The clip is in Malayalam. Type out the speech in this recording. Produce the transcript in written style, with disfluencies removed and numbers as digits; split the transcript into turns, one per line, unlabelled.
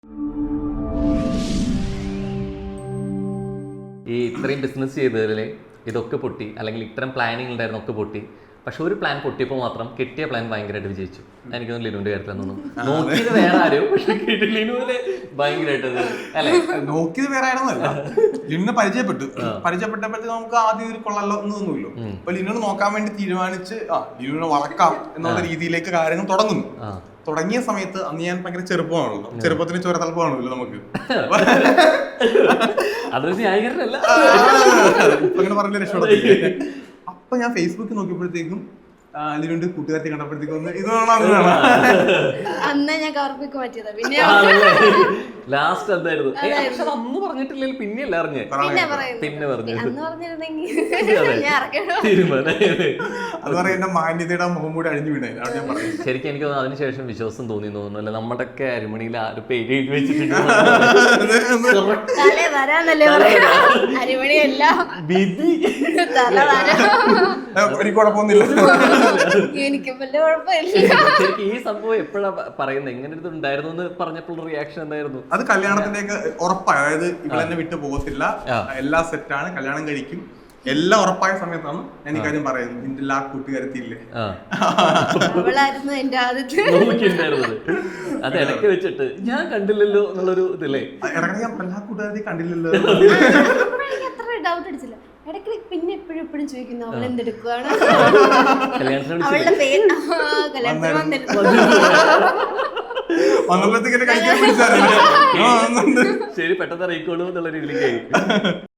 ഈ ഇത്രയും ബിസിനസ് ചെയ്തതിൽ ഇതൊക്കെ പൊട്ടി, അല്ലെങ്കിൽ ഇത്തരം പ്ലാനിങ് ഉണ്ടായിരുന്ന ഒക്കെ പൊട്ടി. പക്ഷെ ഒരു പ്ലാൻ പൊട്ടിയപ്പോൾ മാത്രം കിട്ടിയ പ്ലാൻ ഭയങ്കരമായിട്ട് വിജയിച്ചു. എനിക്കൊന്നും ലിനുവിന്റെ കാര്യത്തിൽ തോന്നുന്നു നോക്കിയത് വേറെ ആരും, പക്ഷെ ലിനുവിന് ഭയങ്കരമായിട്ട് അല്ലെ
നോക്കിയത് വേറെ ആയിരുന്നല്ല. ലിനുവിനെ പരിചയപ്പെട്ടപ്പോഴത്തേക്ക് നമുക്ക് ആദ്യം ഒരു കൊള്ളല്ലോ എന്ന് തോന്നുമല്ലോ. അപ്പൊ ലിനുവിനെ നോക്കാൻ വേണ്ടി തീരുമാനിച്ച് ലിനുവിനെ വളക്കാം എന്നുള്ള രീതിയിലേക്ക് കാര്യങ്ങൾ തുടങ്ങുന്നു. തുടങ്ങിയ സമയത്ത് അന്ന് ഞാൻ ഭയങ്കര ചെറുപ്പമാണല്ലോ, ചെറുപ്പത്തിന് ചോരത്തലപ്പമാണല്ലോ നമുക്ക്.
അതൊരു ന്യായീകരണമല്ല,
ഇപ്പൊ ഇങ്ങനെ പറഞ്ഞ രക്ഷപ്പെടത്തില്ല. അപ്പൊ ഞാൻ ഫേസ്ബുക്കിൽ നോക്കിയപ്പോഴത്തേക്കും ലിനുവിന്റെ കൂട്ടുകാരത്തെ കണ്ടപ്പോഴത്തേക്കും
അന്ന് ഞാൻ കവർപ്പിക്ക് പറ്റിയതാ. പിന്നെ
ലാസ്റ്റ് എന്തായിരുന്നു അന്ന് പറഞ്ഞിട്ടില്ലെങ്കിൽ പിന്നെയല്ല അറിഞ്ഞേ, പിന്നെ പറഞ്ഞു
അന്ന് പറഞ്ഞിരുന്നെങ്കിൽ
അത് പറയാൻ എന്റെ മാന്യതയുടെ മുഖം കൂടി അഴിഞ്ഞു വീണേ. ഞാൻ പറഞ്ഞു
ശരിക്കും എനിക്ക് അതിനുശേഷം വിശ്വാസം തോന്നി തോന്നുന്നു. അല്ലെ നമ്മുടെയൊക്കെ അരിമണിയിൽ ആരും പേര് എഴുതി വെച്ചിട്ടുണ്ട്.
അരിമണിയല്ല
വിധി
എനിക്ക് കുഴപ്പമൊന്നുമില്ല.
എനിക്ക് വലിയ കുഴപ്പമില്ല.
ശരിക്കും ഈ സംഭവം എപ്പോഴാ പറയുന്നത്, എങ്ങനെ ഇത് ഉണ്ടായിരുന്നു എന്ന് പറഞ്ഞപ്പോൾ റിയാക്ഷൻ എന്തായിരുന്നു?
അത് കല്യാണത്തിന്റെയൊക്കെ ഉറപ്പായി, അതായത് ഇവിടെ തന്നെ വിട്ടു പോകത്തില്ല, എല്ലാം സെറ്റാണ്, കല്യാണം കഴിക്കും, എല്ലാം ഉറപ്പായ സമയത്താണ് ഞാൻ ഈ കാര്യം പറയുന്നത്. നിന്റെ എല്ലാ കൂട്ടുകാരത്തില്ലേ
അവളായിരുന്നു എന്റെ ആദ്യത്തെ
നോക്കിണ്ടായിരുന്നത്. അത് ഇടയ്ക്ക് വെച്ചിട്ട് ഞാൻ കണ്ടില്ലല്ലോ എന്നുള്ളൊരു ഇതില്ലേ,
ഇടയ്ക്ക് ഞാൻ എല്ലാ കൂട്ടുകാരത്തി കണ്ടില്ലല്ലോ.
അത്ര ഡൗട്ട് അടിച്ചില്ല. ഇടയ്ക്ക് പിന്നെ എപ്പോഴും ചോദിക്കുന്നു അവൾ എന്തെടുക്കുവാണ്, അവളുടെ പേര് കല്യാണത്തിന്
വന്നപ്പോഴത്തേക്ക് കഴിക്കാൻ പിടിച്ചാൽ
ശരി പെട്ടെന്ന് അറിയിക്കോളൂ എന്നുള്ള രീതിയിലേക്ക്